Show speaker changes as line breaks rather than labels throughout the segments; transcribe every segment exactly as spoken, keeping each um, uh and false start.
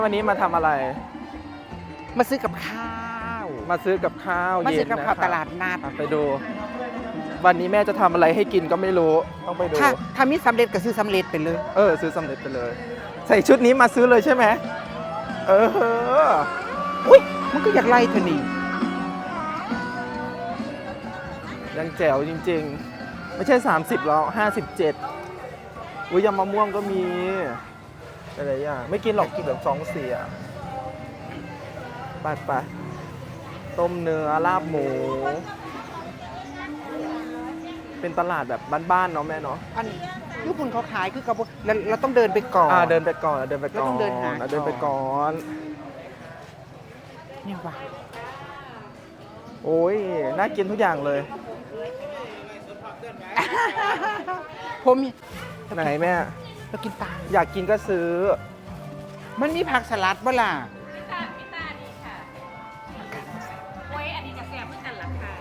วันนี้มาทำอะไร
มาซื้อกับข้าว
มาซื้อกับข้าว
มาซื้
เย็
อน กับ
นะ
ข้าว
ค
ต
รับ
ลาดนัด
อ่ะไปดู วันนี้แม่จะทำอะไรให้กินก็ไม่รู้ต้องไปดู
ถ้าถ้ามีสำเร็จก็ซื้อสำเร็จไปเลย
เออซื้อสำเร็จไปเลย ใส่ชุดนี้มาซื้อเลยใช่ไหมเออ
อุ้ยมันก็อยากไล่เธอนี่
ยังแจ๋วจริงๆ ไม่ใช่สามสิบหรอกห้าสิบเจ็ดอุ้ยยำมะม่วงก็มีอะไรอย่างไม่กินหรอกกินแบบสองเสียไปไปต้มเนื้อลาบหมู เป็นตลาดแบบบ้านๆเนาะแม่เนาะ
อันญี่ปุ่นเขาขายคือกับเราเราต้องเดินไปก่อน
อ่าเดินไปก่อนเดินไปก่อน
เราต้องเดินหา
เดินไปก่อน
เนี่ยว่ะ
โอ้ยน่ากินทุกอย่างเลย
ผม
ไหนแม่
เรากินตาม
อยากกินก็ซื้อ
มันมีผักสลัดบ่ล่ะ
พิตาพิตาดีค่ะโอ้ยอันนี้จะแซ่บเพื่อนกันหลังค่ะ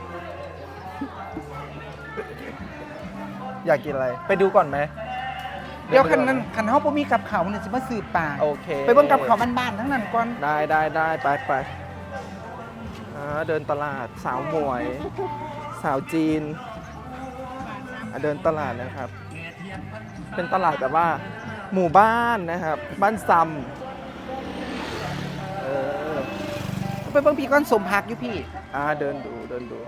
อยากกินอะไรไปดูก่อนไหม
เดี๋ยวคันนั้นคันเฮาบ่มีกับเขาวเนี่ยสิมาซื้อปลา
โอเค
ไปเบิ่งกับเขาวบ้านๆทั้งนั้นก่อน
ได้ได้ได้ไปไปอ่าเดินตลาดสาวหมวย สาวจีนอ่ะเดินตลาดนะครับ เป็นตลาดแบบว่า หมู่บ้านนะครับ บ้านซ้ำเออ
ไปเบิ่งพี่ก้อนสมผักอยู่พี่
อ่าเดินดูเดินดู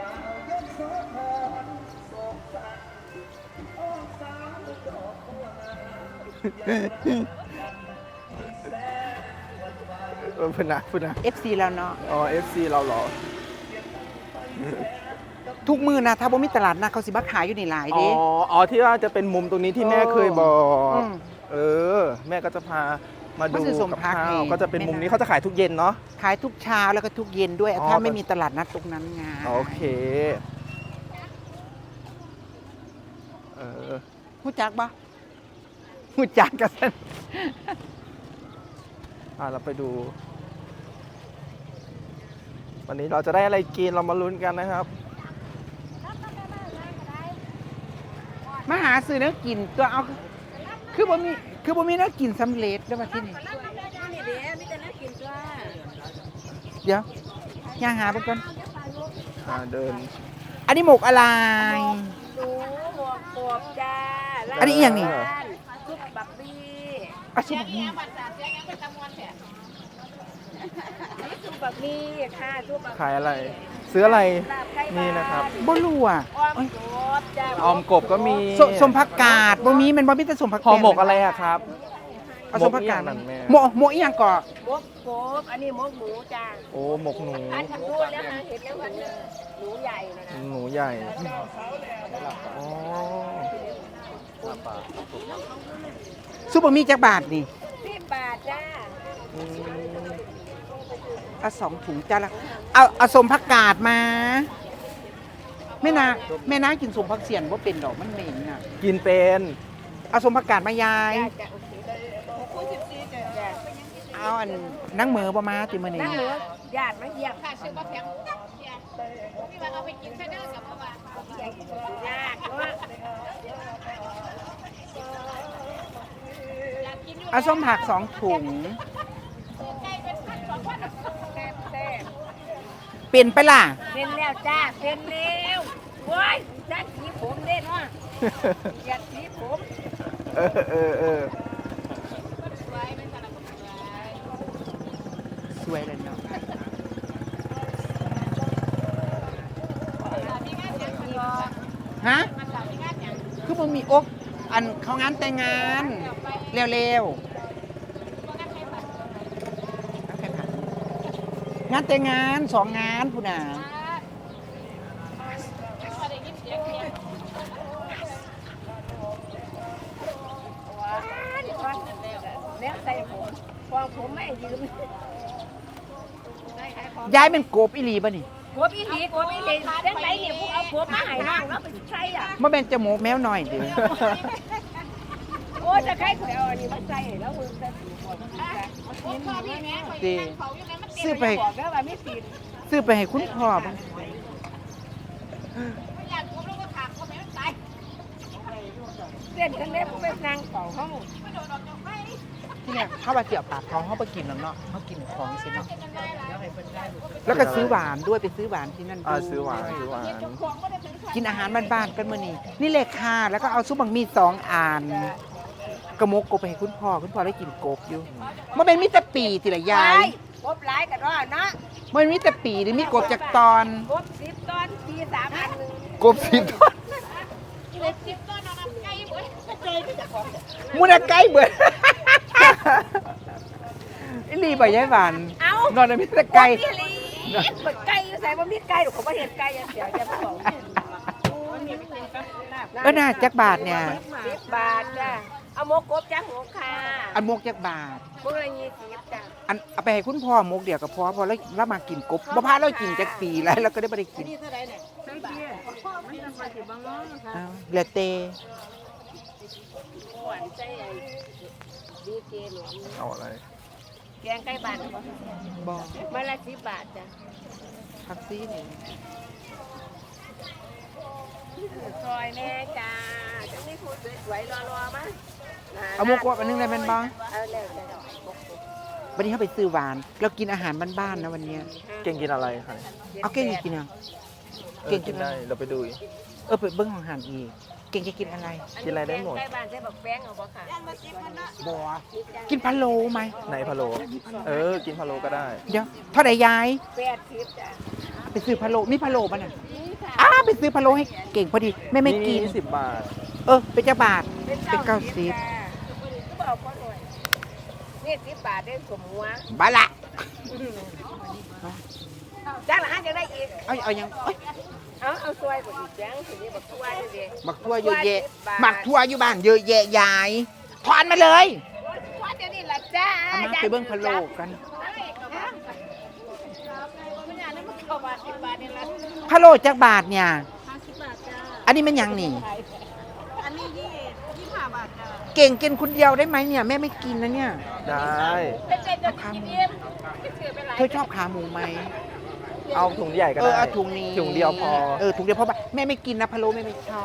เออพูดนะพูดนะ
เอฟ ซี แล้วเนาะ
อ๋อ เอฟ ซี เราเหรอ
ทุกมื้อนะถ้าบ่มีตลาดนัดเขาสิมาขายอยู่นี่หลาย
อ๋อ
เด้
อ๋อ ที่ว่าจะเป็นมุมตรงนี้ที่แม่เคยบอก
อืม
เออ แม่ก็จะพามาดู
มาซื้อสม
กับ
พัก
ข้า
นี่
วก็จะเป็นมุม
แม่
นี้
นะ
เขาจะขายทุกเย็นเนาะ
ขายทุกเช้าแล้วก็ทุกเย็นด้วย
อ๋อ
ถ้าไม่มีตลาดนัดตรงนั้นไง
โอเค เออ
หูจักปะหูจักกัน
อ่าเราไปดู วันนี้เราจะได้อะไรกินเรามาลุ้นกันนะครับ
มาหาซื้อเนื้อกินตัวเอา คือบ่มีคือบ่มีเนื้อกินสำเร็จได้มาที่นี่
นี่เด้มีแต่น่ากินจ้า
เดี๋ยวย่างหาไปก่อน
อ่าเดิน
อันนี้หมกอะไร
หนูหมวกกบจ้า
อันนี้อีหยังนี่
ซุปบักบี้
อาชีพนี้
ซุปบักบี้ค่ะซุปบัก
ขายอะไร ซื้ออะไร
ลาบไก่
นี่นะครับ
บ่รู้อ่ะ
อ้อมกบจ้า
ออมกบก็มี
สสมผักกาดบ่มีมันบ่มีแต่สมผัก
ห่อหมกอะไรอะครับ
เอาสมผักกาด
หมกอีหยังนั่นแม่
หมกหมกอีหยังก่อ
หมกกบอันนี้หมกหมูจ้า
โอ้หมกหนู
อันทำดูแล้วนะเห็นแล้วมันหนูใหญ่นะนะ
หนูใหญ่ อ๋อ
ซุปบะหมี่จักบาทนี่
สิบบาทจ้า
อืม
เอาสองถุงจ้าละเอาเอาสมผักกาดมาแม่นาแม่นากินสมผักเสียนบ่เป็นดอกมันเหม็นน่ะ
กินเป็น
เอาสมผักกาดมายาย
จ้าจ้าโอเคหกคูณสิบสี่จ้าจ้า
เอาอันนั่งเหมือบ่มาติมื้อนี้
นั่งเหลือญาติมาเยี่ยมค่ะซื้อมาแพงพี่ว่าเอาไปกินแค่เด้อกับพ่อว่ายากเนาะ
เอาส้มผักสองถุง
แซ่บแซ่บ
เป็นไปล่ะ
เป็นแล้วจ้าเป็นแล้วโว้ยจ้าสีผมเด้เนาะอย่าสีผม
เออเออเออ
สวยเลยเนาะฮะคือบ่มีอกอันเขางานแต่งงานเร็วๆงานแต่งงานสองงานพุ่นน่ะ
แล้วใส่ผมฟองผมไม่ยืม
ย้ายเป็นโกบอีหลีป่ะนี่
หัวพี่หลีหัวพี่หลีเส้นไหนเนี่ยพวกเอาผมมาให้น้องแล้วไปใช้อ่ะ
มาเป็นจมูกแมวหน่อยเด้อ
โอ้จะใครขวยเอาอันนี้มาใส่แล้วมึงจะสีผมกินพี่แม่
เด้ซื้อไป
บอกแล้วว่าไม่สี
ซื้อไปให้คุณพ่อบ้าง
อยากผมแล้วก็ถามเขาแม่ตายเส้นกันเล็บเป็นนางเป่าเขา
ทที่เนี่ยเข้ามาเสียบปากท้องเข้าไปกินแล้วเนาะเขากินของสิเนาะแล้วก็ซื้อหวานด้วยไปซื้อหวานที่นั่น
อ่า
ด้วย
ซื้อหวานซื้อหวาน
กินอาหารบ้านๆกันมื้อนี้นี่เลยค่ะแล้วก็เอาซุปบังมีสองอ่านกระมกกบไปให้คุณพ่อคุณพ่อได้กินกบอยู่มันเป็นมิตรปีติละยาย
กบหลายกันว่าเนาะ
มันมีแต่ปีนี่มีกบจากตอน
กบสิบตอนปีสามอันหนึ่ง
กบสิบตอน
กบสิบตอนเอาไก่หมดเจอที่จะของ
มูนาไก่เบิดอีหลีใบยายหวาน
เอา
นอนในมีแต่ไก่
ที่ลีเปิดไก่อยู่ใส่บ่มีไก่หรอกเขาบ่เห็นไก่อย่างเดียวจะมาบอก
เออน่าจักบาทเนี่ย
สิบบาทจ้ะเอาหมกกบจ้ะหมกค่ะ
อันมกจักบาท
พวกละยี่สิบจ้ะ
อันเอาไปให้คุณพ่อมกเดียวกับพ่อพอแล้วแล้วมากินกบบ่พาเรากินจักปีแล้วเราก็ได้บ่ได้กิน
นี่เท่าไหร่เนี่ยสิบบาทมันจะมาสิบบางน้องค่ะ
อ้าวเหลือเต
หวานใจไอ้ดีเกหลวง
เอาอะไร
แกงไก่บ้านบ่
บ่
มาละสิบบาทจ้ะ
พักซี่นี่
ซอยแม่จ้าจะมีผู้สวยๆรอๆมั้ย
เอามกว่าอันนึงได้แม่นบ่
เอาแล้วจ้ะ
วันนี้เขาไปซื้อหวานเรากินอาหารบ้านๆนะวันเนี้ย
เก่งกินอะไรคะ
เอาเก่งจะกินอ่ะ
เออ
เก่งกิ
กิ
น
น
อะไร
ได้เราไปดูอีก
เออไปเบิ้งของอาหารอีกเก่งจะกินอะไร
กินอะไรได้หมด
ใกล้บ้านใช้บักแป้งเอาบ่ค่ะ
บ่กินพะโล้ไหม
ในพะโล้เออ กินพะโล้ก็ได้
เดี๋ยวเท่าไหร่ยาย
แปดสิบจ้ะ
ไปซื้อพะโล้มีพะโล้ป่ะน่ะ
นี่ค่ะ
อ้าไปซื้อพะโล้ให้เก่งพอดีแม่ไม่กิน
สิบบาท
เออเป็นจ้าบาทเป็นเก้าสิบ
ก็บอกก็หน่อยนี่สิบบาทได้สมหัว
บาละ
จ้างละห้าจะได้อีก
เอาเอายังเอ้ย
เอาเอาซอยบ่อีกจ้างทีนี้บักทั่วนี่ดิ
หมักทั่วเยอะแยะหมักทั่วอยู่บ้านเยอะแยะยายถอนมาเลย
ทั่วเดี๋ยวนี้ล่ะจ้า
เอามาไปเบิ้งพะโล้กัน
มันอย่างนั้นมันเข้าบาทสิบบาทนี่ล่ะ
พะโล้จักบาทเนี่ย
ห้าสิบบาทจ้า
อันนี้มันยังนี่
อันนี้ยี่ยี่ห้าบาทจ้า
เก่งกินคนเดียวได้ไหมเนี่ยแม่ไม่กินนะเนี่ย
ได้
เป็นเด็กจะกินเอ็มถือไปหลาย
เธอชอบขาหมูไหม
เอาถุงใหญ่ก็
เอ
ได้
อเอาถุงนี้
ถุงเดียวพอ
เออถุงเดียวพอปะแม่ไม่กินนะพะโล้แม่ไม่ชอบ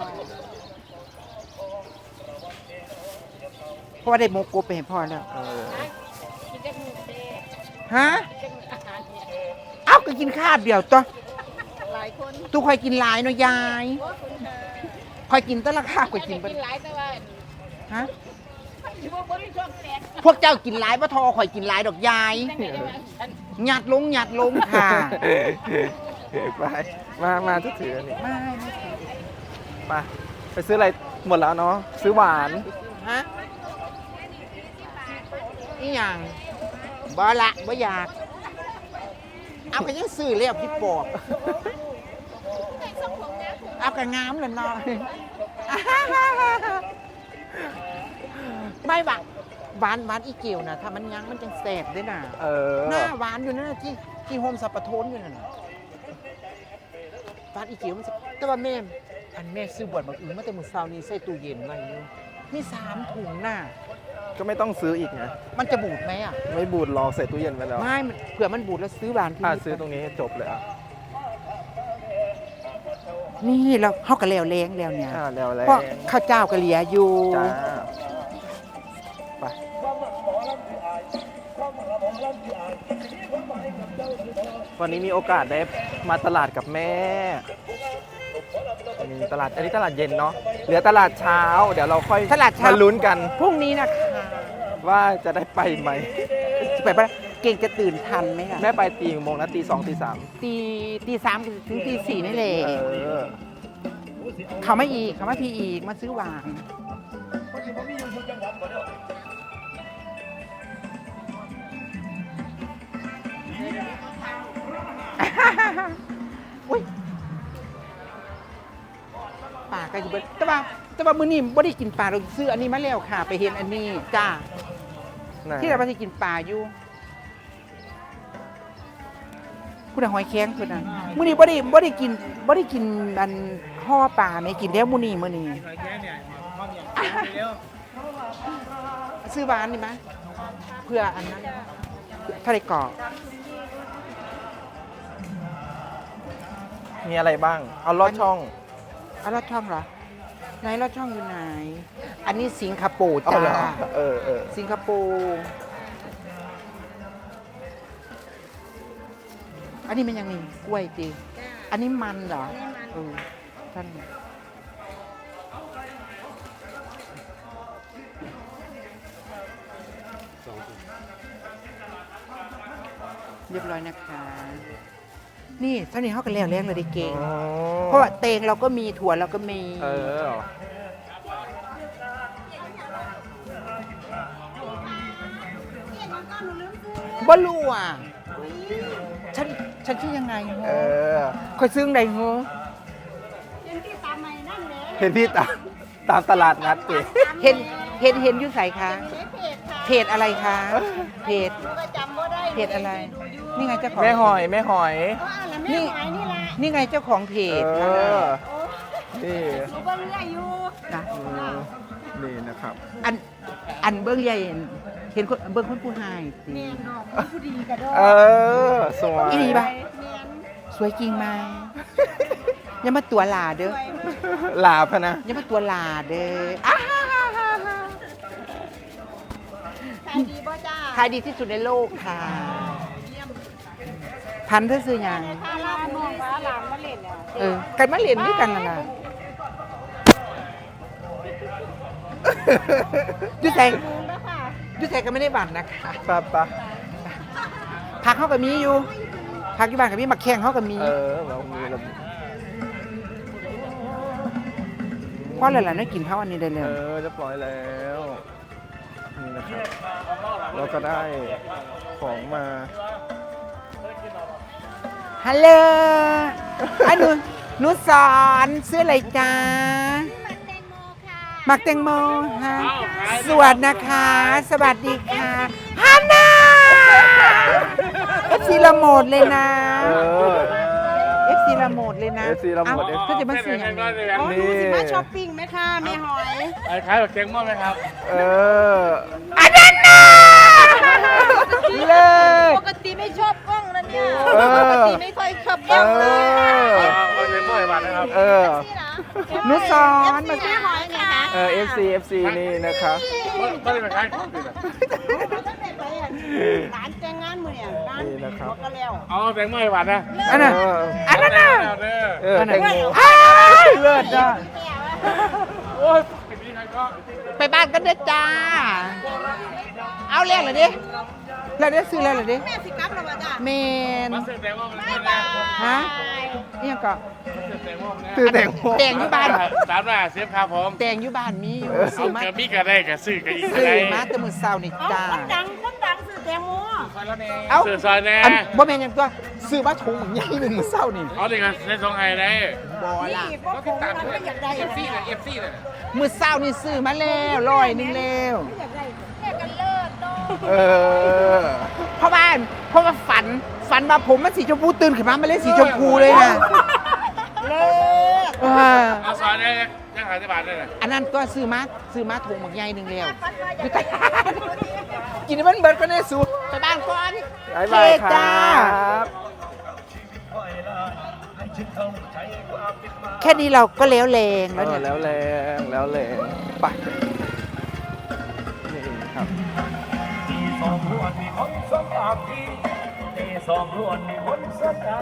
เพราะว่าได้โมกบไปให้พ่อแล้ว
เออ
กินจะมีเด็ก
ฮะ
จะมีอาหารเนี่ย
เอ้าก็กินข้าวเดียวตัว
หลายคน
ตู้คอยกินหลายเนาะยาย
โอ้คุณค่ะ
คอยกินแตละข้าวคอยกิน
กิ
เบิด
นหลายแต่ว่า
ฮะ
ที่พวกบ่มีช่วงแตก
พวกเจ้ากินหลายบ่ทอคอยกินหลายดอกยาย
จังได๋ได้ว่าฉัน
หยัดลงหยัดลงค่ะ
ไป มา มาจะถืออันนี้
ไม่ไม่ถือ
ไปไปซื้ออะไรหมดแล้วเนาะ ซื้อหวาน
ฮะนี่ยังบ่ละบ่อยาก เอาไปยังซื้อเรียบที่ปอบเอากระงามเลยเนาะ ไม่หวานหวานหวานอีเกียวนะถ้ามันยังมันจังแสบด้วยนะ
เออ
หน้าหวานอยู่นั่นนะที่ที่โฮมสับปะโทนอยู่นั่นน่ะหวานอีเกียวมันสิแต่ว่าแม่อันแม่ซื้อบวชบักอึงมาแต่มื้อเช้านี้ใส่ตู้เย็นไว้อยู่มีสามถุงน่ะ
ก็ไม่ต้องซื้ออีกนะ
มันจะบูดไหมอ่ะ
ไม่บูดรอกใส่ตู้เย็นไว้แล้ว
ไม่มันเผื่อมันบูดแล้วซื้อหวานที่
อ่า
นี่
ซื้อตรงนี้ให้จบเลยอ่ะ
นี่เราเฮาก็แล้วแรงแล้วเนี่ย
อ่าแล้วแล้
เพราะข้าวเจ้าก็เหลียอยู่
จ้า ไป วันนี้มีโอกาสได้มาตลาดกับแม่มีตลาด อันนี้ตลาดเย็นเนาะ เหลือตลาดเช้า เดี๋ยวเราค่อย
ตลาดเช้าม
มาลุ้นกัน
พรุ่งนี้นะคะ
ว่าจะได้ไปไหม
ไปปะเก่งจะตื่นทันไหมอ่ะ
แม่ไปตีกี่โมงนะตีสองตีสาม
ตีตีสามถึงตีสี่นี่แหละ
เออ
เขาไม่อีกเขาไม่พีอีกมาซื้อหวานอุ้ยป่าก็อยู่เบิดแต่ว่าแต่ว่ามื้อนี้บ่ได้กินปลาเราซื้ออันนี้มาแล้วค่ะ ไปเห็นอันนี้จ้า
ไหน
ที่เราไปกินปลาอยู่คุณหอยแข้งคุณน่ะมื้อนี้บ่ได้บ่ได้กินบ่ได้กินอันห่อปลาไม่กินแล้วมื้อนี้มื้อนี้ซื้อหวานนี่มั้ยเพื่ออันนั้นทะเลกรอบ
มีอะไรบ้าง เอาลอดช่อง
เอาลอดช่องเหรอไหนเราช่องอยู่ไหน อันนี้สิงคโปร์
เอา
จ้า
เหรอเออเออ
สิงคโปร์อันนี้มันยังมีกล้วยตีอันนี้มันเหรอเออท่านเรียบร้อยนะคะ นี่เท่านี้เขากันแล้วแรงเลยดิเก่ง
อ๋อ
เพราะว่าเตงเราก็มีถั่วเราก็มี
เออ
บ่รู้อ่ะฉันฉันชื่อยังไง
เอ
ฮะ
อ
คอยซื้อไหนเหรอ
ยังที่ตามใหม่นั่นแหละ
เห็นพี่ตามตามตลาดนัดสิ
เห็นเห็นเห็นอยู่ใส่คะ
เพจค่ะ
เพจอะไรคะเพจ
หนูก็จำบ่ได้
เพจอะไร นี่ไงเจ้าของ
แม่หอยแม่หอย
ก็อ่านแล้วแม่หายนี่ล่ะ
นี่ไงเจ้าของเพ
เอ
จ
อ
ค่ะ
โอ้
นี่
หนูเบิ่งเรื่อยอยู่
นะ
อืมนี่นะครับ
อันอันเบิ้งใหญ่เห็นคนเบิ้งคนผู้หายสิ
แม่นอกมีผู้ดีกระโดด
เออ สวย
อีหลีปะ
แม่น
สวยจริงไหมอย่ามาตัวหลาเด้อ
สวย
หลาบอะนะ
อย่ามาตัวหลาเด้ออ้า
ขายดีบ่จ้า
ขายดีที่สุดในโลกค่ะ
เยี่ยม
พันเธอซื้อหยัง
ถ้าลาบน้องฟ้าหลานมาเล่นแล้ว
เออกันมาเรียนด้วยกันนั่นล่ะยุใส่
ดูแล้วค่ะ
ยุใส่ก็ไม่ได้บัตรนะคะ
ปะปะ
พักเขากับมีอยู่พักอยู่บ้านกับมีมาแข่งเขากับมี
เออเรามีเรา
เพราะอะไรล่ะน่ากินข้าวอันนี้ได้เล
เอย อเรียบร้อยแล้ว นี่นะครับ เราก็ได้ของมา
ฮัลโหลอันหนูหนูสอนซื้ออะไรจ้า
มันแตงโมค่ะ
หมักแตงโมฮะสวัสดีนะคะ สวัสดีค่ะฮันน่าเอฟซีละโหมดเลยนะ
เออ
เอฟซีละโหมดเลยนะ
เอฟซีละโหมด
เอ้าเขาจะมาซื้ออย่างนี้
โอ้หนูสิมาช้อปปิ้งไหมคะแม่หอย
ไอ้ขายแบบเจ๊งมั่วไหมครับ
เออ
อันนั้นน่ะเลิศ
ปกติไม่ชอบกล้องนะเนี่ย
เออ
ปกติไม่ค่อยชอบกล้องเลย
เออ
เอาเจ๊งมั่วไอ้บัตรนะครับ
เออ
หนูสอน
มา
มา
แม่หอยไงคะ
เออ เอฟซี เอฟซี นี่นะครับ
ไม่ได้ไปขายของติดอ่ะ
ร้านแต่งงานมือเนี่ยร้าน
นี่นะครับ
ก็แล้ว
เอาเจ๊งมั่วไอ้บัตรนะ
อันนั้น
เออ
อันนั้นน่ะ
เด้อ
เออแตงโม
อ้ายเลิศอ่ะ
โอ้ยไอ้พี่ใครก็
ไปบ้านกันเด้อจ้า เอาเรียกเลยดิเราได้ซื้อแล้วเหรอดิ
แม่สิกลับแล้วว่าจ้ะ
เมน
มาเสร็จแตงมั่วมัน
บ๊าย
แน่
บาย
ฮะนี่ยังก็
เสร็จแตงมั่วมัน
ซื้อ
แน่
แตงโม
แตงอยู่บ้าน
สามหน้าเสียบครับผม
แตงอยู่บ้านมีอยู่
เอา
ซื้อมา
เกิดมีกระได้กับซื้อกับอีก
ซื้อ
ได้
มาแต่มื้อเช้านี่
เอา
จ้า
คนดังคนดังซื้อแตงโม
เอ้า
ซื้อซอยแน่
อันบ่แม่นหยังตัวซื้อมาถุงใหญ่หนึ่งมื้อเช้านี่
เอาดิกันในสองไห้ได้
บ่ล่ะ
นี่พวกผมมันไม่อยากได้
เอฟซี
นะ
เลยเอฟซีเลย
มื้อเช้านี่ซื้อมาแล้วร้อยหนึงแล้ว
อยากได้แม่กันเลิศโด
เออ
เพราะว่าเพราะว่าฝันฝันว่าผมมันสีชมพูตื่นขึ้นมามันเลยสีชมพูเลยนะ
เลิศ
เออ
เอาซอยได้ยังขายที่บ้านได้เลย
อันนั้นก็ซื้อมาซื้อมาถุงหมักใหญ่หนึ่งแล้ว
ปัดว่าอ
อยู่
ยาก
ต
ได้
ลาดกินให้มันเบิดก็ได้สูไปบ้านก่อน
บ๊ายบายค
จ้า
รับ
แค่นี้เราก็แล้วแรง
เอ
แล้ว
อ
เนี่ย
แล้วแรงแล้วแรงไปนี่ครับ
ตีสองรวนมีคนสมอาพีตีสองรวนมีคนสมอา